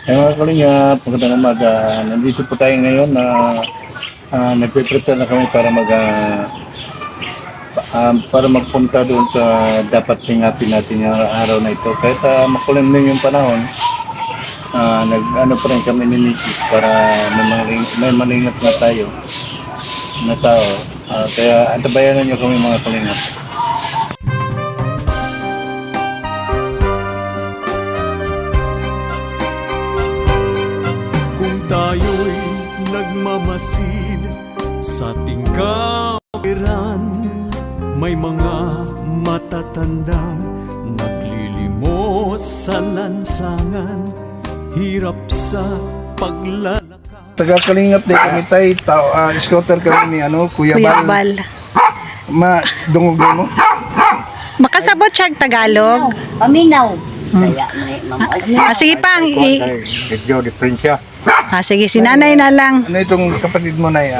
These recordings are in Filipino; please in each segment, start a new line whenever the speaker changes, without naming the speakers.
Ay mga kalingap, magandang umaga. Nandito po tayo ngayon na nagpe-prepare na kami para para magpunta doon sa dapat tingapin natin yung araw na ito. Kahit makulimlim yung panahon, nag-ano pa rin kami ni Mrs. para may malingap na tayo na tao. Kaya antabayanan nyo kami mga kalingap.
Tayo'y nagmamasid sa ating kapiran. May mga matatandang naglilimos sa lansangan, hirap sa paglalakad.
Taga-kalingap din kami tayo, scooter kami ni Kuya Bal. Dungog mo?
Makasabot siya Tagalog.
Paminaw. Saya
Sige pang.
Medyo diferensya.
Sige, si nanay na lang.
Ano itong kapatid mo na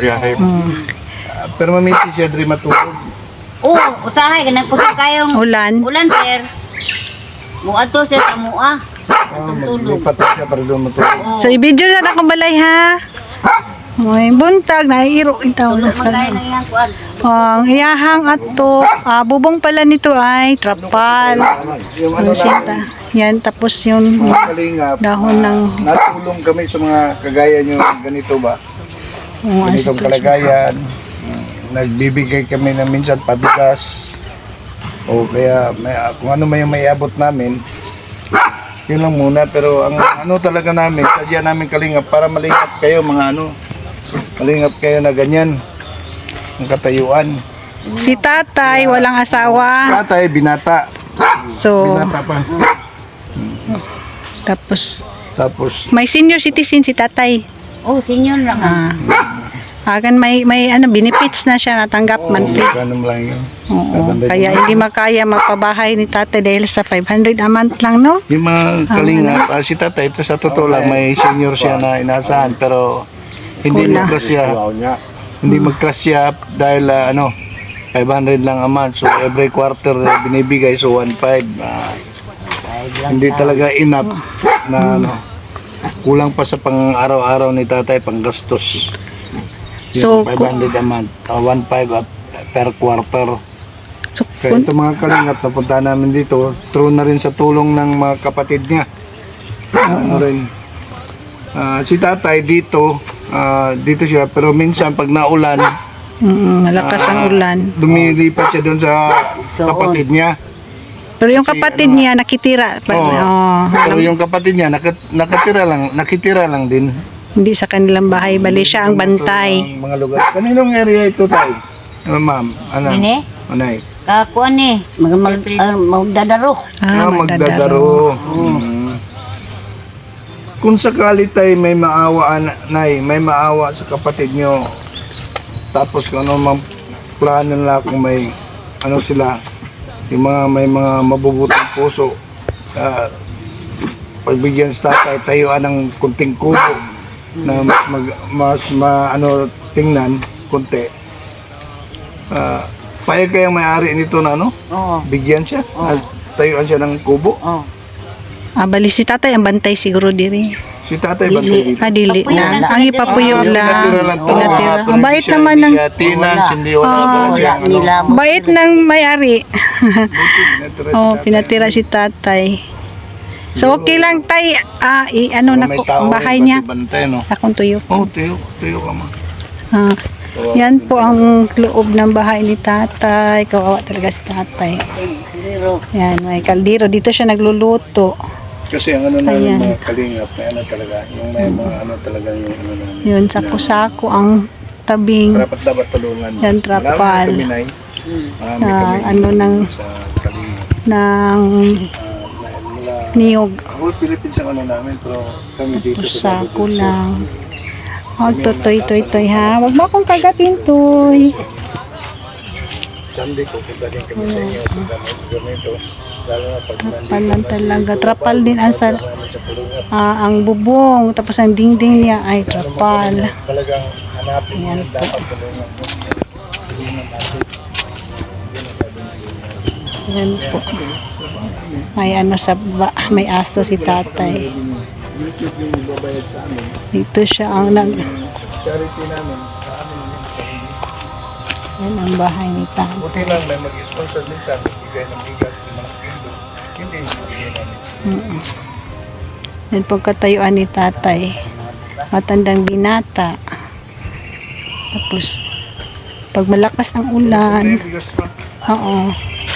pero mamiti siya diri matulog.
Usahay ganang kusog kayong
Ulan.
sir. Muadto sir sa mua. Tulog.
Lipat siya para doon matulog.
So, i-video na akong balay ha. May buntag, naiiro itaw.
Tulog magkaya na yan kuan.
Ang iyahang ato, bubong pala nito ay trapal.
Yung
Ano sinta? Yan, tapos yung
kalingap,
dahon ng
natulong kami sa mga kagaya nyo ganito ba? Ganitong kalagayan. Nagbibigay kami na minsan pabigas. O kaya kung ano may abot namin, yun lang muna. Pero ang talaga namin, sadya namin kalingap para malingap kayo mga malingap kayo na ganyan ang katayuan.
si tatay, walang asawa.
Tatay, binata.
So,
Binata pa.
tapos may senior citizen si tatay.
Senior lang.
Agan may benefits na siya natanggap monthly.
Ganun lang yun.
Oo, kaya hindi makaya magpabahay ni tatay dahil sa 500 a month lang, no?
Yung mga kalingap, si tatay, ito sa totoo lang, may senior siya na inaasahan, pero hindi
Kulang.
mag-crush siya dahil 500 lang a month. So every quarter binibigay, so 1.5. Hindi talaga enough na kulang pa sa pang-araw-araw ni tatay, pang-gastos.
So,
500 a month, 1.5 per quarter.
So,
Kaya ito mga kalingap, napunta namin dito, true na rin sa tulong ng mga kapatid niya. Si tatay dito siya, pero minsan pag naulan,
malakas ang ulan.
lumilipat siya doon sa kapatid niya.
Pero yung kapatid niya nakitira.
Pero yung kapatid niya nakitira lang din.
Hindi sa kanilang bahay, bali siya ang bantay.
Ang mga lugar. Kaninong area ito tayo? Ma'am,
Ini?
Anay.
Kuan ni magdadaro.
Magdadaro. Kung sakali tayo may maawa may maawa sa kapatid nyo, tapos kung ano mang plano nila, kung may sila, yung may mga mabubutang puso, pagbigyan sa tatay, tayuan ng kunting kubo na mas tingnan konti. Payag kayang may-ari nito na bigyan siya, tayuan siya ng kubo.
Bali si tatay ang bantay siguro diri.
Si tatay ba dito?
Dili lang. Ang ipapuyo lang. Pinatira. Ang bait naman ng bait ng may-ari. Pinatira si tatay. So okay lang tay, na po ang bahay niya. Akong tuyo.
Tuyo ka ma.
Yan po ang loob ng bahay ni tatay. Kawawa talaga si tatay. Yan, may kaldero. Dito siya nagluluto.
Kasi ang na yung mga kalingap, may talaga, yung may mga talaga yung
yun, sako-sako ang tabing.
Dapat tulungan.
Yan, trapal. Ng niyog.
Whole Philippines ang namin, pero kami dito sa
sako lang. Toy ha. Wag mo akong kagatin, toy.
Sunday ko, galing kami sa inyo, ganito.
Trapal talaga. Trapal din ang bubong. Tapos ang dingding niya ay trapal.
Talagang hanapin
yan
dapat tulungan.
Yan po. May may aso si tatay.
yung magbabayad sa amin.
Dito siya ang
Charity namin sa amin.
yan ang bahay ni tatay.
Buti lang may mag-sponsor minsan, bigay ng bigas ng mga kilo. Hindi, bigay namin.
Yan po katayuan ni tatay. Matandang binata. Tapos, pag malakas ang ulan,
May bigas pa.
oo.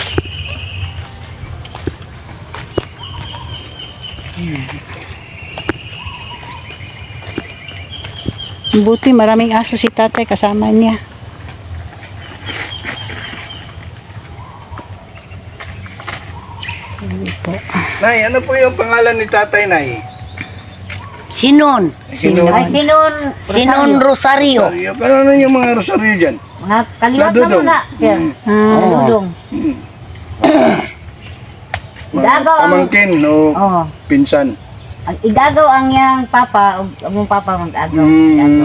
Buti maraming aso si tatay kasama niya. Hindi po.
Nay, ano po yung pangalan ni tatay, Nay?
Sinon.
Sinon.
Ay, Sinon Rosario.
Ano yung mga rosaryo dyan?
Mga kaliwat na
Ladudong.
mga. Sir.
Ah,
Dudong.
Mga
Igagaw ang...
pamangkin o
Oh.
pinsan.
Ang igagaw ang yang papa, ang papa mag-agaw. Igagaw.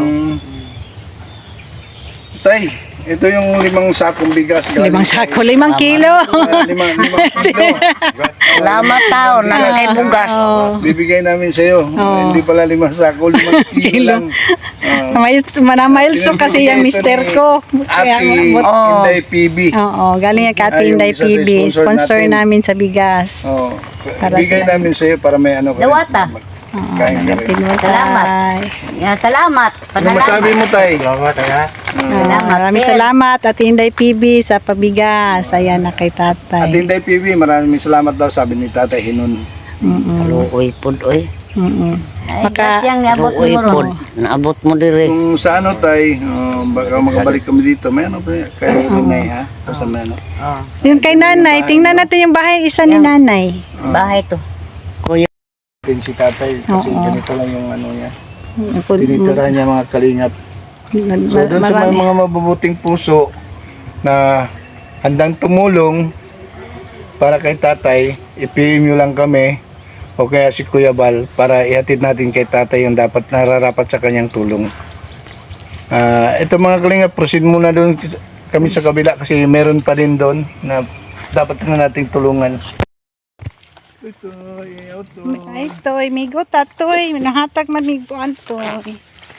Tay, ito yung 5 sakong bigas.
5 sako, 5 kilo.
5 kilo.
Salamat tao, nakakay bugas.
Oo.
Bibigay namin sa iyo. Hindi pala 5 sako, 5 kilo lang.
May manamailso kasi yung mister ko. Kaya,
Ate Inday PB.
oo, galing yung Ate Inday
Ay, yung isa sa
PB.
sponsor
Sponsor
natin.
namin sa bigas.
Oh,
Para
bigay
sila.
namin sa iyo para may ano ka.
Dawata.
Oo,
Kain ka rin.
pinutay.
Yan, salamat.
Ano masabi mo, Tay?
Maraming salamat Ate Inday PB sa pabigas. Ayan na kay
Ate
tatay.
Inday PB, maraming salamat daw, sabi ni Tatay Hinon.
Luoy pod oy.
Maka,
Yang niabot mo ron. Naabot mo dire.
Kung sa ano, Tay, baka makabalik kami dito, may ano pa kayo Renay, ha? Basta may ano.
yun kay nanay. Tingnan natin yung bahay isa ni nanay.
Bahay to.
Din si Tatay, kasi
Oo.
ganito lang yung ano niya. Tinitirahan niya mga kalingap. So, doon sa
Marami.
mga mabubuting puso na handang tumulong para kay Tatay, i-PM nyo lang kami o kaya si Kuya Bal para ihatid natin kay Tatay yung dapat nararapat sa kanyang tulong. Ito mga kalingap, proceed muna doon kami sa kabila kasi meron pa din doon na dapat na nating tulungan. Ito,
Ay, toy, migo tatoy. Nahatag man migo antoy.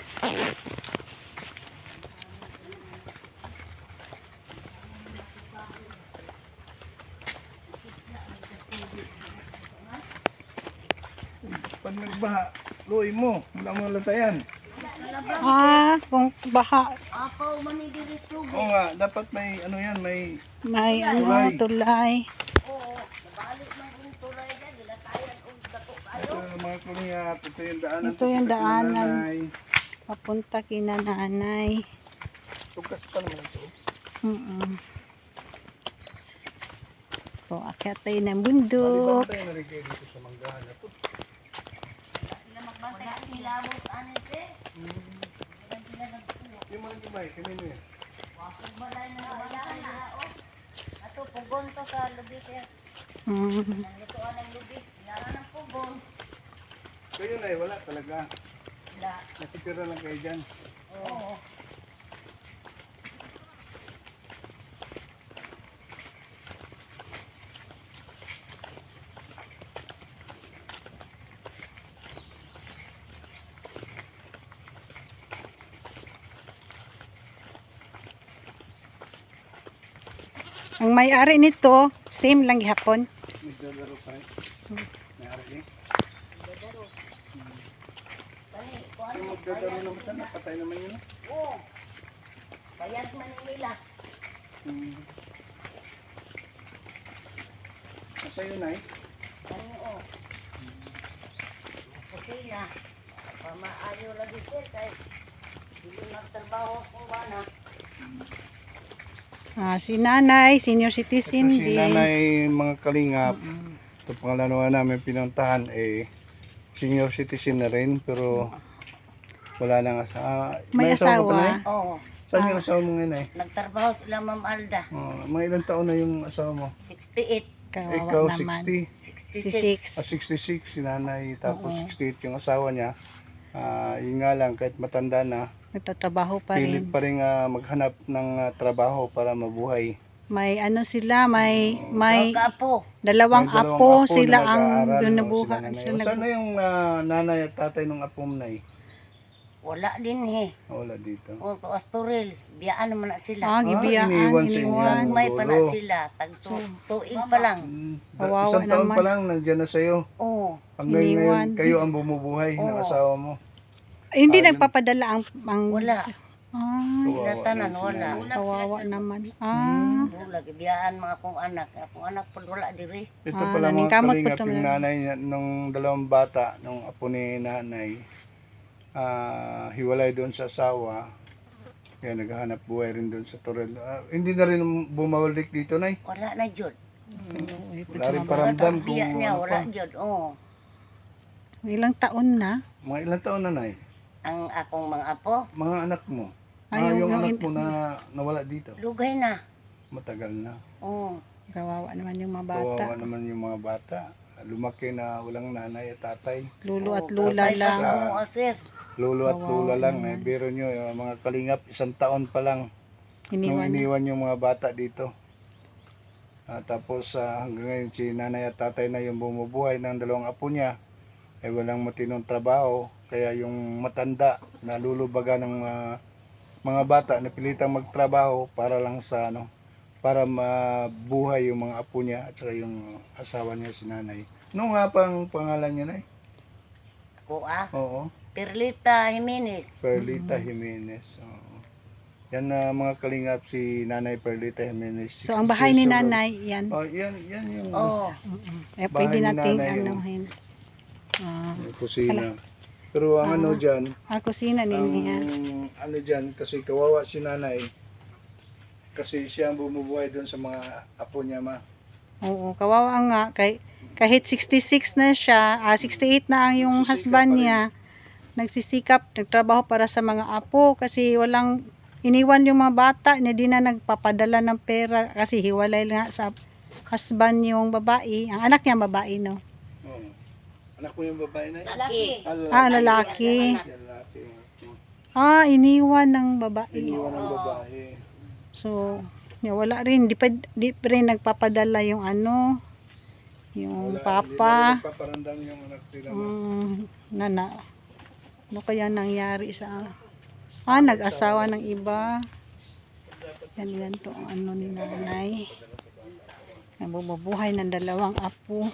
Pag nagbaha, luoy mo, wala mo latayan.
Kung baha,
Oo nga, dapat may ano yan, may
may ano, tulay.
ito yung mga kulingap, ito yung daanan.
Ito yung daanan.
Nanay.
Papunta kina nanay.
Tugas pa naman ito.
So, akyat tayo ng bundok.
Tayo na rin kayo dito sa manggahan na ito. Yung mga gibay, kanino yan? Kayo na wala talaga. Nakitira lang kayo dyan.
Ang may-ari nito, same lang gihapon.
Nagdadaro pa rin. May-ari eh. Yung magdadaro naman sana, patay naman yun.
Bayad man nila.
Patay yun ay.
Okay na. Pamaayo lagi sir kay hindi magtrabaho ko na.
Si nanay, senior citizen
Ito si
din.
nanay mga kalingap. Ito pangalawa namin pinuntahan senior citizen na rin pero wala nang asawa.
May
ka ba,
asawa.
Nay?
Oo.
Saan yung asawa mo ngayon ay?
Nagtrabaho sila Ma'am Alda.
Mga ilang taon na yung asawa mo?
68,
Kawawa
Ikaw
naman.
60.
66.
66 si nanay tapos 68 yung asawa niya. Yun nga lang kahit matanda na
Nagtatrabaho pa
pilit
rin.
pa rin maghanap ng trabaho para mabuhay.
May ano sila, may
Kaapo.
dalawang
May dalawang
apo
na
sila ang
nag-aaral, no,
binubuhay.
nanay.
Sila
Saan na yung nanay at tatay ng apong nay?
Wala din eh.
Wala dito.
O, to Asturil. Biyaan naman na sila.
gibiyaan,
iniwan sa inyo.
iniwan.
May pa na
lolo.
sila. Tuig pa lang.
Kawawa
Isang taon
naman.
pa lang, nandiyan na sa'yo.
Oo.
Hanggang
Iniwan.
ngayon, kayo ang bumubuhay ng
Oo.
asawa mo.
Ay, hindi
Ayun.
nagpapadala ang
Wala.
Ay,
Sila tanan,
din
wala.
sila.
kawawa naman.
Wala. Biyaan mga akong anak. Akong anak po wala diri.
Ito
Ah,
pala mga
naningkamot po
kalingap,
to,
yung
meron.
nanay nung dalawang bata, nung apo ni nanay, hiwalay doon sa asawa. Kaya naghahanap buhay rin doon sa Torel. Hindi na rin bumalik dito, nay.
Wala na jud.
Wala rin paramdam kung
Biya niya,
ano
wala
pa.
jud. Oo.
Ilang taon na?
Mga ilang taon na, nay?
Ang akong mga apo,
Mga anak mo.
Ay, yung-
Yung
yung
anak
in-
mo na nawala dito.
lugay na.
Matagal na.
Oo.
Kawawa naman yung mga bata.
Kawawa naman yung mga bata. Lumaki na walang nanay at tatay.
Lulo at
Oo,
lula
patay pa
lang.
sa mga sir.
Lolo at
Kawawa
lula lang.
naman.
Biro nyo, yung mga kalingap, isang taon pa lang. Nung
Iniwan.
iniwan yung mga bata dito. Tapos hanggang ngayon si nanay at tatay na yung bumubuhay ng dalawang apo niya. Ay walang matinong trabaho. Kaya yung matanda na lulubaga ng mga bata na pilitang magtrabaho para lang sa para mabuhay yung mga apo niya at saka yung asawa niya si nanay. Ano nga pang pangalan niya, nay?
Ako
Oo.
Perlita Jimenez.
Perlita Jimenez. Oo. Yan na mga kalingap si Nanay Perlita Jimenez.
So, ang bahay
66
ni
years old.
nanay, yan.
Oh, yan yung
Oo.
Eh,
Bahay
pwede
ni
nating
nanay yun.
anuhin.
kusina. Pero ang ano dyan,
Kusina
ang
din yan.
ano dyan, kasi kawawa si nanay, kasi siya ang bumubuhay doon sa mga apo niya, ma.
Oo, kawawa nga. Kahit 66 na siya, 68 na ang yung
Nagsisikap
husband
pa rin.
niya, nagsisikap, nagtrabaho para sa mga apo kasi walang iniwan yung mga bata, hindi na nagpapadala ng pera kasi hiwalay nga sa husband yung babae. Ang anak niya babae, no?
Oo. Anak mo yung babae na yun?
Lalaki.
Lalaki.
Lalaki.
Iniwan ng babae.
Iniwan ng babae.
So, wala rin, di pa rin nagpapadala yung yung
Wala,
papa.
Hindi na nagpaparandam yung anak nila, ma.
Nana, ano kaya nangyari sa nag-asawa ng iba. Yan to ang ano ni nanay. Nabubuhay ng dalawang apo.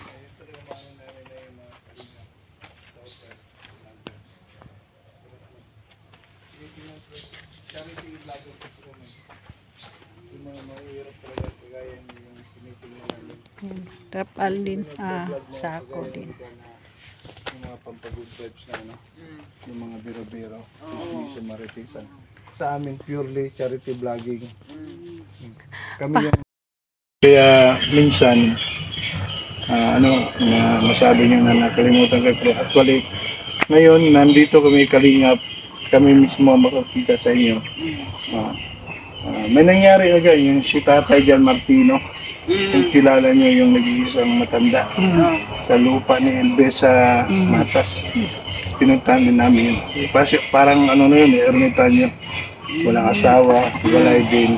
Charity vlogger kasi kami. Yung mga mahihirap talaga kagaya yung tinitingnan namin.
Trapal din, sako din.
Yung mga pampagood vibes na yung mga biro-biro. Hindi siya maritisan. Sa amin purely charity vlogging. Kami yung kaya minsan masabi niyo na nakalimutan ko pero actually ngayon nandito kami kalingap kami mismo makakita sa inyo. May nangyari na dyan, yung si Tatay Jan Martino. Kung kilala nyo yung nag-iisang matanda sa lupa ni Elbes sa Matas. Pinuntahan din namin yun. Parang ano na yun, ermitanyo. Walang asawa, walay din.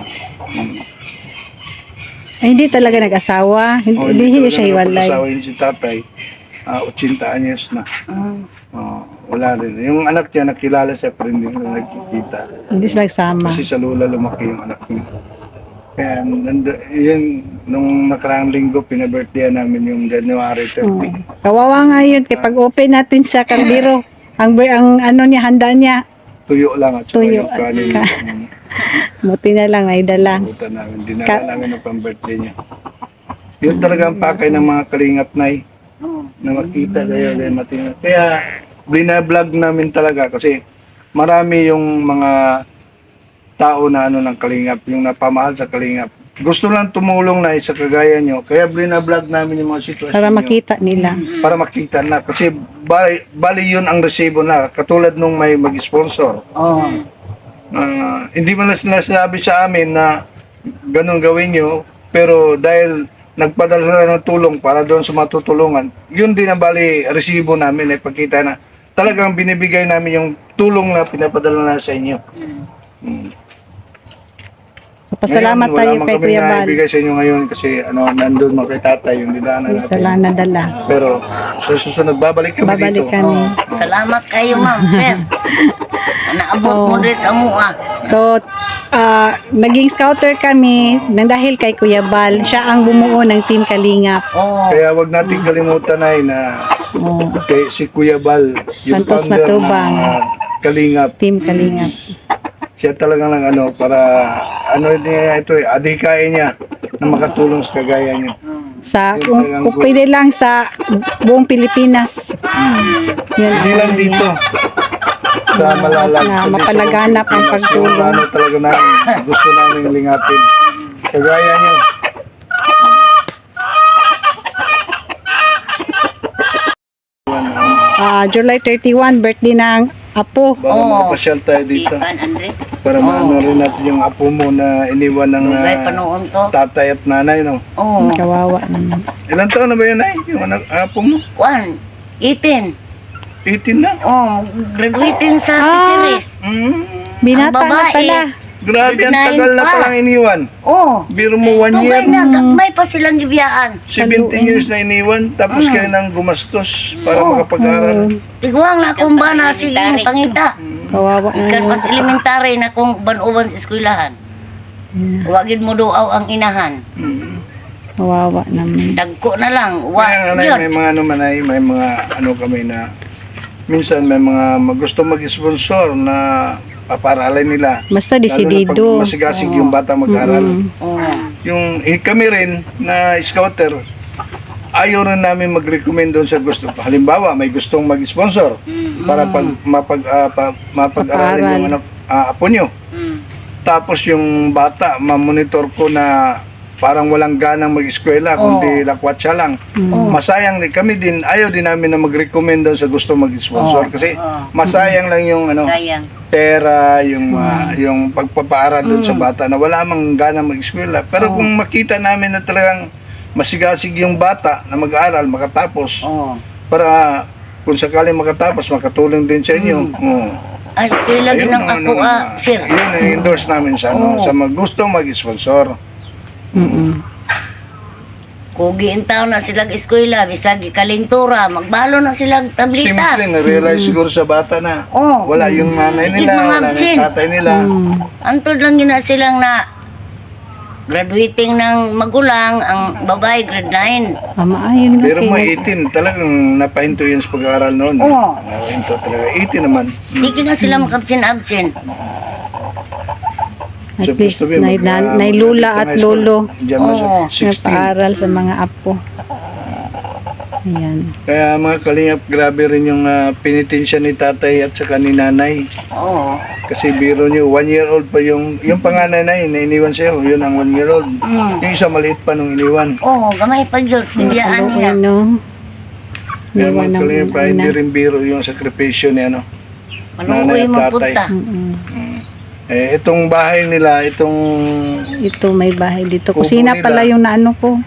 Ay, hindi talaga nag-asawa. Hindi siya hiwalay.
Asawa yun si Tatay. 80 anyos na. Wala rin. Yung anak niya nakilala siya pero hindi na nagkikita.
Hindi sila nagsama.
Kasi sa lula lumaki yung anak niya. Kaya yun, nung nakaraang linggo, pinabirthday namin yung January 30.
Kawawa nga yun. Kaya pag open natin sa kaldero, ang ano niya, handa niya,
Tuyo lang at saka
Tuyo
yung
at
kanin.
buti na lang, ay dala.
Buta namin. Dinala namin ng pang-birthday niya. Yun talaga ang pakay ng mga kalingap nay. Na makita kayo din matinag. Kaya bina-vlog namin talaga kasi marami yung mga tao na ng kalingap, yung napamahal sa kalingap. Gusto lang tumulong na sa kagaya nyo. Kaya bina-vlog namin yung mga sitwasyon
Para
nyo.
makita nila.
Para makita na. Kasi bali yun ang resibo na. Katulad nung may mag-sponsor. Hindi man na sinasabi sa amin na ganun gawin nyo. Pero dahil nagpadala ng tulong para doon sa matutulungan, yun din ang bali resibo namin. Pagkita na talagang binibigay namin yung tulong na pinapadala na sa inyo.
Pasalamat
Ngayon,
tayo
wala man
kay
kami
Kuya Bal.
naibigay sa inyo ngayon kasi nandun man kay tatay yung dinaanan natin.
Wala nadala.
Pero sa susunod, babalik kami
Babalik
dito.
kami.
Salamat kayo, ma'am, sir. Naabot mo rin sa mua.
So, naging scouter kami nang dahil kay Kuya Bal. Siya ang bumuo ng Team Kalingap.
Oo.
Kaya wag natin kalimutan ay na
Oh,
si Kuya Bal, yung
Santos
founder
Matubang.
ng Kalingap.
Team Kalingap.
Siya talagang para niya ito adhikain niya na makatulong sa kagaya niyo.
Sa, kung pwede lang sa buong Pilipinas. Yun
Hindi
ang
lang dito sa malalag.
Na
kundi sa
mapalaganap ang
Pilipinas,
pagtulong.
yung talaga namin, gusto namin lingapin. Kagaya niyo.
July 31, birthday ng Apo.
Baka makapasyal tayo dito.
Ipan, Andre.
Para maano rin natin yung apo mo na iniwan ng
Lugay panoon to.
tatay at nanay, no?
Oo.
Kawawa naman.
Ilan taon na ba yun, ay? Yung apo mo?
18.
18 na?
Oh, graduating sa series.
Binata
Ang
na
babae.
pala.
Grabe, ang
Nine
tagal na
pa.
palang iniwan.
Oh.
Biro mo 1 year.
Tugay na, may pa silang gibiyaan.
17 years na iniwan, tapos kayo nang gumastos para makapag-aral.
Tiguang na kung ba na sige pangita.
Kawawa
Ikan
naman.
pas elementary na kung banuban sa eskwelahan. Wagid mo duaw ang inahan.
Kawawa naman.
Dagko na lang. Wa,
Kaya nga
yun.
may mga may mga kami na minsan may mga gusto mag-sponsor na paparalin nila.
Basta
Lalo na pag
desidido.
masigasig yung bata mag-aral.
Oh.
Yung kami rin na scouter, ayaw rin namin mag-recommend doon sa gusto. Halimbawa, may gustong mag-sponsor para mapag-aralin yung apo nyo. Tapos yung bata, mamonitor ko na parang walang ganang mag-eskwela, kundi lakwatsa lang. Masayang din. Kami din, ayaw din namin na mag-recommend doon sa gusto mag-sponsor. Kasi masayang lang yung
Sayang.
pera, yung pagpapaaral doon sa bata na wala mang gana mag-eskwela. Pero kung makita namin na talagang masigasig yung bata na mag-aaral, makatapos,
Oh.
para kung sakaling makatapos, makatulong din sa inyo.
Ay, eskwela din ang ako, sir.
Yun ang endorse namin sa, sa gusto mag-sponsor.
Kugi taon na silang eskwela, bisag kalintura, magbalo na silang tablitas.
Simple, na-realize siguro sa bata na
Oh.
wala yung nanay
Hindi
nila,
mga
wala na
absent.
yung tatay nila.
Antod lang yun na silang na graduating ng magulang, ang babae grade 9.
Maayon na
Pero mo
kayo.
18, talagang napahinto yun sa pag-aaral noon.
Oo.
Napahinto talaga. 18 naman.
Hindi na sila makabsin-absent.
At
Supposed
least,
to be,
nailula at lolo.
Diyan mo
Oo.
16.
Nagpaaral sa mga apo. Ayan.
Kaya mga kalingap, grabe rin yung penitensya ni tatay at saka ni nanay.
Oo.
Kasi biro nyo, 1 year old pa yung panganay na yun, na iniwan sa'yo, yun ang 1 year old. Yung isa maliit pa nung iniwan.
Oo, gamay pa yun. Bibiyaan niya.
Kaluoy, no?
Kaya
Iwan
mga
ng
kalingap,
ina.
hindi rin biro yung sakripisyo ni
Manuoy mo punta.
Itong bahay nila, itong
Ito may bahay dito.
Kubo
Kusina
nila.
pala yung naano ko.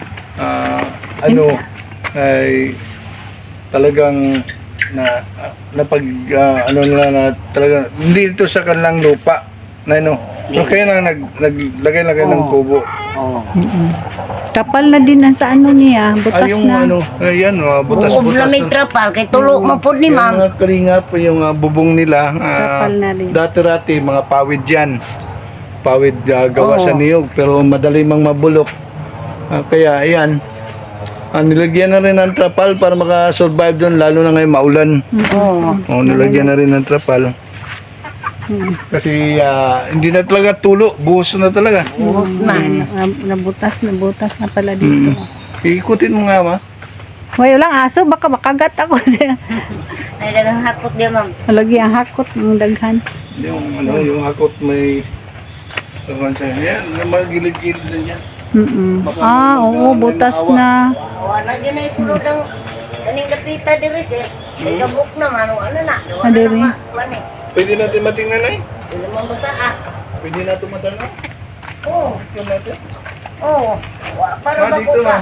ay talagang napag nila na talaga hindi ito sa kanilang lupa na pero kaya lang naglagay ng kubo.
Oo.
Kapal na din ang sa ano niya. Butas
Yung
na.
ayan, butas-butas.
Buob na may trapal, kay tulo mo po ni ma'am.
Mga kalingap, yung bubong nila,
Kapal na rin.
dati-rati, mga pawid yan. Pawid gawa sa niyog, pero madali mang mabulok. Kaya, ayan, nilagyan na rin ng trapal para makasurvive doon, lalo na ngayon maulan.
Oo.
Nilagyan na rin ng trapal. Kasi hindi na talaga tulo, buhos na talaga.
Buhos na.
Nabutas na pala dito.
Ikutin mo nga, ma.
May walang aso, baka makagat ako.
Ay, dagang hakot dia ma'am.
Lagi ang hakot ng daghan.
Yung hakot may yan, mga gilid-gilid na yan.
Oo, butas na.
Wala dyan na isulod ang kaning kapita diri sir. May kabuk naman, ano na.
Adiri.
Pwede natin matingnan ay?
Hindi mo basa
Pwede natin matanong?
Oo.
Ito natin.
Oo. Para
Dito
bago
na.
ka.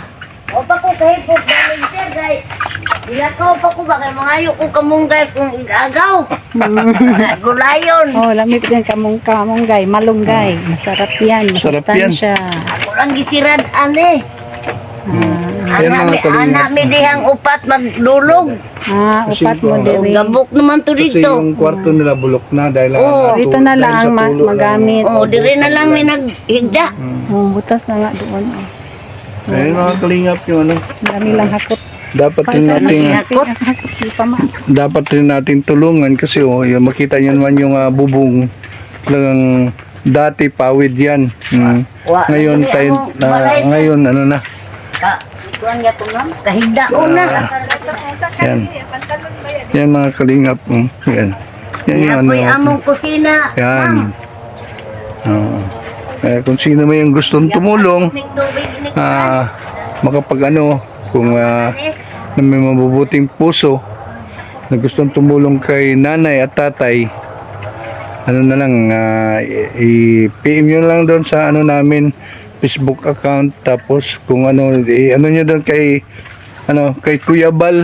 O pa ko kahipot namin sir, guys. Ilakaw pa ko ba kay mangayo ko kamong guys kung igagaw. Gulayon.
Oh, lamig din kamunggay, malunggay. Masarap yan,
Masarap yan.
masustansya.
Ako lang gisirad ane.
Yan, mga kalingap.
Anak mi dihang upat magdulog.
Upat mo
O,
diri.
gabok naman to
Kasi
dito.
yung kwarto nila bulok na dahil
Oo,
Dito na lang magamit.
O, diri na lang may naghigda.
Butas na nga doon.
Ayun mga kalingap yung ano.
Dami lang hakot.
Dapat rin natin
Hakot, di pa ma.
dapat rin natin tulungan kasi yung makita niyo naman yung bubong lang dati pawid yan.
Wa,
Ngayon
dali
tayo
akong balay, sir.
ngayon ano na
Kuan nga to na. Kahigdaon na.
yan. Yan mga kalingap. Yan. Yan yung ano.
Apoy among kusina.
Yan. Oo. Kung sino may yung gustong tumulong,
Ning tubig ini.
makapag ano, kung na may mabubuting puso na gustong tumulong kay nanay at tatay, ano na lang, i-PM nyo lang doon sa ano namin, Facebook account, tapos kung ano, ano nyo doon kay, ano, kay Kuya Bal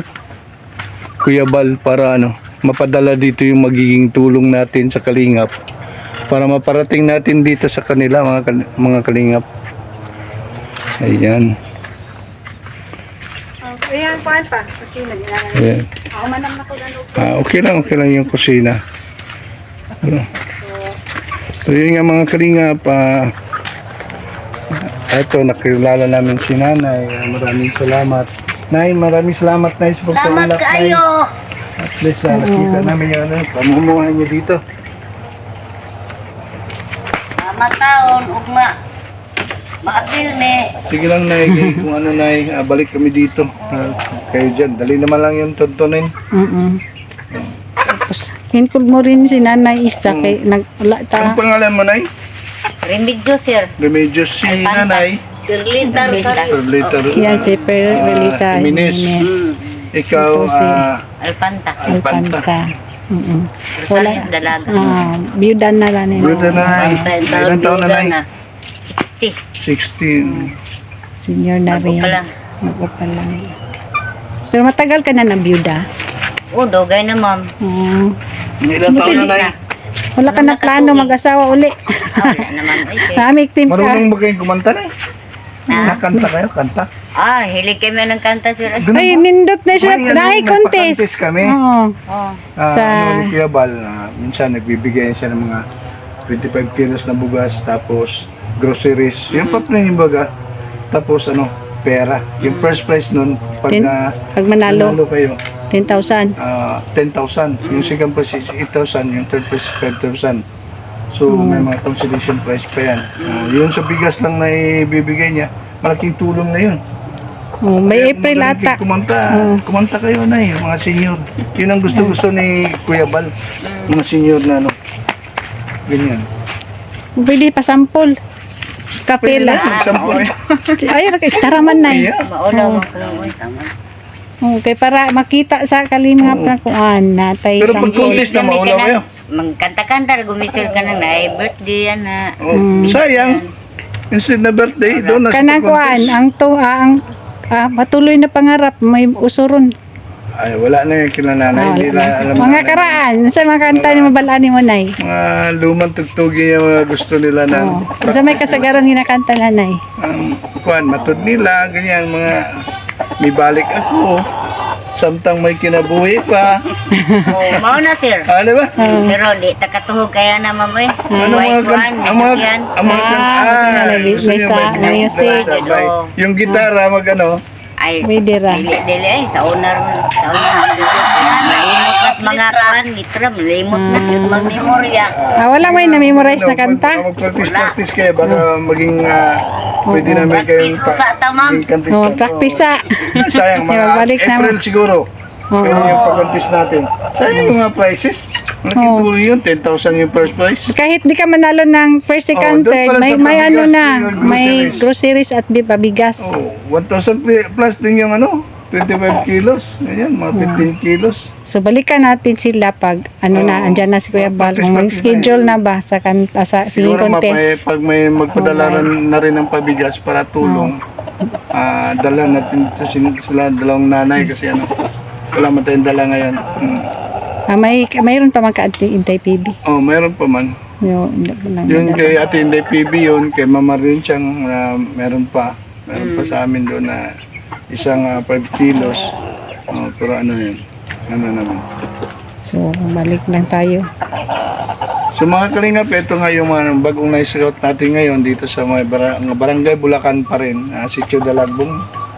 para ano, mapadala dito yung magiging tulong natin sa Kalingap para maparating natin dito sa kanila mga Kalingap. Ayan.
Ayan, kuhan pa. Kasi naglalagay.
Ayan.
Ako manam na ko na
Okay lang yung kusina. So yun nga mga Kalingap, eto nakilala namin si Nanay. Maraming salamat. Nay, maraming salamat Nay sa
Salamat
pagpaulak Nay.
kayo.
At least nakita namin yung ano, pamumuhay niyo dito.
Mataon ugma. Maapil ni.
Sige lang Nay, kung ano Nay, balik kami dito. Kayo dyan, dali naman lang yung tontonin.
Tapos, include mo rin si Nanay Isa kay nagula
Ang
ta.
pangalan mo Nay?
Remedyo sir.
Remedios si Nanay.
Dirlitar sa
Later.
Yan si Perlita
Jimenez.
Jimenez.
Ikaw,
Ito si
Alpanta.
Alpanta. Wala.
Wala dalaga.
Byuda na lang nila.
Buta na Nay. Ilan taon na Nay?
60.
16.
Senior na
Ako
rin.
pa lang.
Ako pa lang. Pero matagal ka na ng byuda.
Oh, dogay na ma'am.
Ilan taon na Nay?
Wala ka na plano mag-asawa uli.
Wala naman. Ay, kay.
Sa aming team ka.
Marunong ba kayong kumanta Nay? Nakanta kayo? Kanta?
Hilig kami ng kanta sir.
Ay, nindot na siya.
May,
Dahil contest.
nagpa-contest kami.
Oo.
Oh.
Sa-
Ano ni Kuya Bal, minsan nagbibigay siya ng mga 25 kilos na bugas, tapos groceries, yung paprin yung baga, tapos ano, pera. Yung first prize nun, pag,
Ten- pag manalo.
kayo,
10,000.
10,000. Yung second prize is 8,000, yung third prize is 5,000. So, may mga consolation prize pa yan. Yun sa bigas lang na ibibigay niya, malaking tulong na yun.
Oh, may
Kaya
April
magaling
ata.
kayo kumanta kayo na mga senior. Yun ang gusto-gusto ni Kuya Bal. Mga senior na ano. Ganyan.
Pwede pa sample. Kapela.
Magsampo eh.
Ay, taraman na yun.
Yeah.
Maulaw ang kulungoy. Tama.
Okay, para makita sa kalimhap na kuan natay
Pero pag contest na maulaw kayo.
Magkanta-kanta, gumisir ka ng na birthday yan na.
Oh, sayang. Instead na birthday, doon na sa
kanang kuan
contest.
ang to ang patuloy na pangarap may usuron.
Ay, wala na yung kila nanay. Hindi na alam
Mga
na-
karaan, sa mga kanta ni mabalaan ni Monay.
Mga lumang tugtugi yung mga gusto nila na
Sa may kasagaran ginakanta nanay.
kuan, matod nila, ganyan, mga may balik ako. Samtang may kinabuhi pa.
Oh, mao na sir.
Ano ba?
Pero di takatuhog kaya na mamoy.
Ano mga kan, ang mga
yan.
ang mga kan, gusto
may
niyo
sa-
may
may music.
sabay. Yung gitara mag ano,
Ay,
Pwede ra.
dili ay sa owner mo. Sa owner. Malimot mas mga kan, gitra, malimot na yun mag-memorya.
Wala may na-memorize na kanta.
Mag-practice kayo, baka maging pwede namin kayong
Practice sa tamam.
Oh, practice sa.
Sayang, mga
Balik na.
April siguro. Pwede yung pag-contest natin. Sayang yung mga prizes. Malaking tuloy yun, 10,000 yung first prize.
Kahit di ka manalo ng first, second,
doon
third,
pala
may
sa
may ano
pabigas,
na,
yung
may
groceries.
groceries at bigas.
Oh, 1,000 plus din yung ano, 25 kilos. Ayan, mga 15 kilos.
So balikan natin sila pag ano na,
Oo.
andyan na si Kuya Bal. Kung may
Practice
schedule na ba sa sa singing
Siguro
contest.
pag may magpadala na rin ng pabigas para tulong, dala natin sila dalawang nanay kasi wala man tayong dala ngayon.
Mayroon pa man ka-intay PB.
Oh, mayroon pa man. Yun kay Ate Inday PB yun, kay Mama rin siyang meron pa sa amin doon na isang 5 kilos. Pero yun, naman.
So balik lang tayo.
So mga kalingap, ito nga yung mga bagong na-scout natin ngayon dito sa mga barangay Bulacan pa rin, Sitio Dalagbong.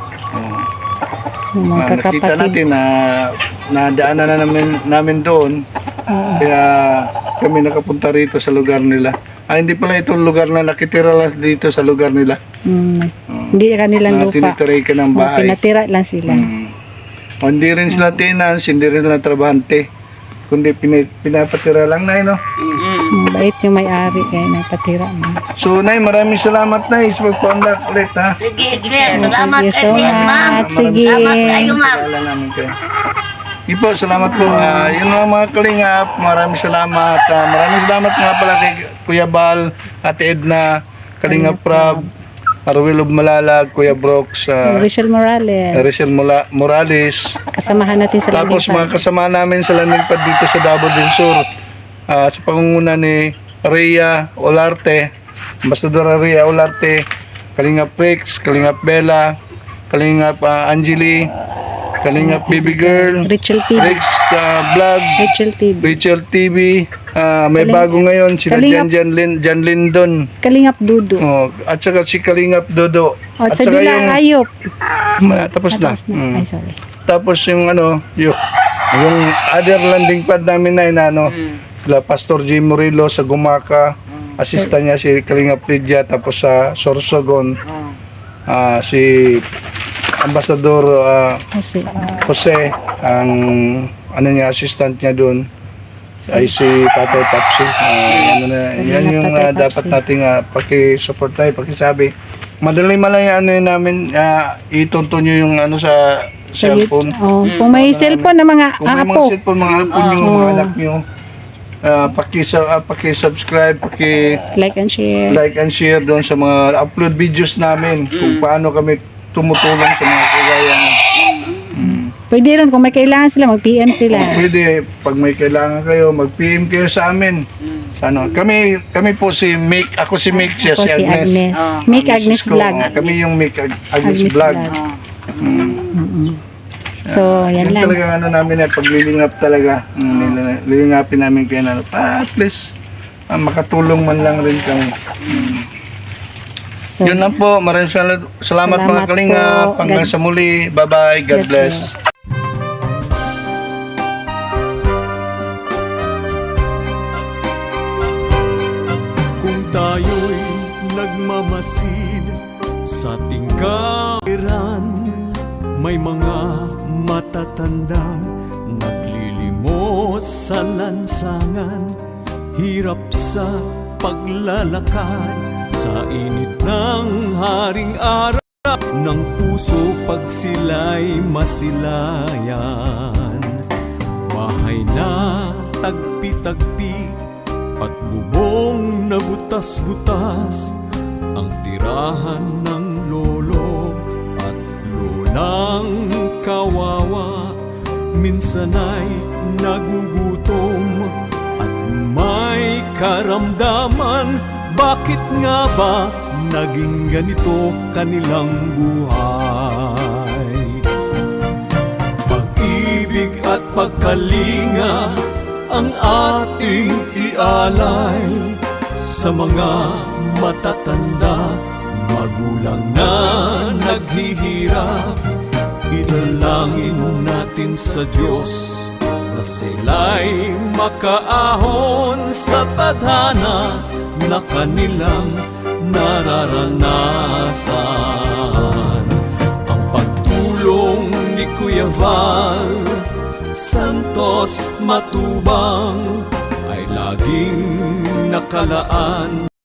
Yung mga
Nakita
kakapatid.
natin na nadaanan na namin doon. Kaya kami nakapunta rito sa lugar nila. Hindi pala itong lugar na nakitira lang dito sa lugar nila.
Hindi kanilang lupa.
Tinitiray ka ng bahay.
Pinatira lang sila.
Hindi rin sila tenants, hindi rin sila trabahante. Kundi pinapatira lang na no?
Bait yung may-ari kaya napatira mo.
So Nay, maraming salamat Nay sa pagpa-unlock ulit ha.
Sige, sir. Salamat
Thank you
kay
so
sir, ma'am.
much. Sige.
Salamat kayo, ma'am.
Paalala namin kayo. Sige po, salamat po. Yun lang mga kalingap, maraming salamat. Maraming salamat nga pala kay Kuya Bal, Ate Edna, Kalingap Prab, Arwil of Malalag, Kuya Brooks,
Rachel Morales.
Rachel Morales.
Kasamahan natin sa
Tapos
Landing
mga kasama namin sa Landingpad dito sa Davao del Sur. Sa pangunguna ni Rhea Olarte, Ambassador Rhea Olarte, Kalingap Rex, Kalingap Bella, Kalingap Angeli, Kalingap Baby Girl,
Rachel TV.
Rex Vlog,
Rachel TV.
Rachel TV, may bago ngayon, sila
Kalingap-
Jan Lindon,
Kalingap Dudu.
at saka si Kalingap Dodo.
At
At
sa
saka
Bila Ayop.
tapos na.
Tapos na. Ay, sorry.
Tapos yung yung other landing pad namin na sila Pastor Jim Murillo sa Gumaka, assistant niya si Kalingap Lydia, tapos sa Sorsogon, si Ambassador
Kasi,
Jose, ang niya, assistant niya doon ay si Tatay Tapsi. Yan yung
Tatay Tapsi.
dapat nating paki-support tayo, pakisabi. Madali namin itunto nyo yung sa cellphone.
kung may cellphone na mga
Kung may mga
apo.
cellphone, mga apo nyo, mga anak nyo, paki-subscribe,
Like and share.
paki-like and share doon sa mga upload videos namin kung paano kami tumutulong sa mga kagaya nyo.
Pwede rin kung may kailangan sila, mag-PM sila.
Pwede, pag may kailangan kayo, mag-PM kayo sa amin. Kami po si Mick, ako si Mick, siya
Ako
si
si
Agnes.
Agnes. Make Agnes
Cisco.
Vlog.
Kami yung Mick, Agnes
Agnes
Vlog.
Vlog. So, yan
Yung
lang.
talaga namin paglilingap talaga. Lilingapin namin kayo na at least makatulong man lang rin kami.
So,
Yun lang po. Maraming salamat mga
Salamat
kalingap.
po.
Hanggang sa muli. Bye-bye. God bless.
Kung tayo'y nagmamasid sa ating kapaliran, may mga matatandang naglilimos sa lansangan, hirap sa paglalakad sa init ng haring araw ng puso pag sila'y masilayan. Bahay na tagpi-tagpi at bubong na butas-butas, ang tirahan ng lolo at lolang kawawa. Minsan ay nagugutom at may karamdaman. Bakit nga ba naging ganito kanilang buhay? Pag-ibig at pagkalinga ang ating ialay sa mga matatanda, magulang na naghihirap. Idalangin natin sa Diyos na sila'y makaahon sa tadhana na kanilang nararanasan. Ang pagtulong ni Kuya Val Santos Matubang ay laging nakalaan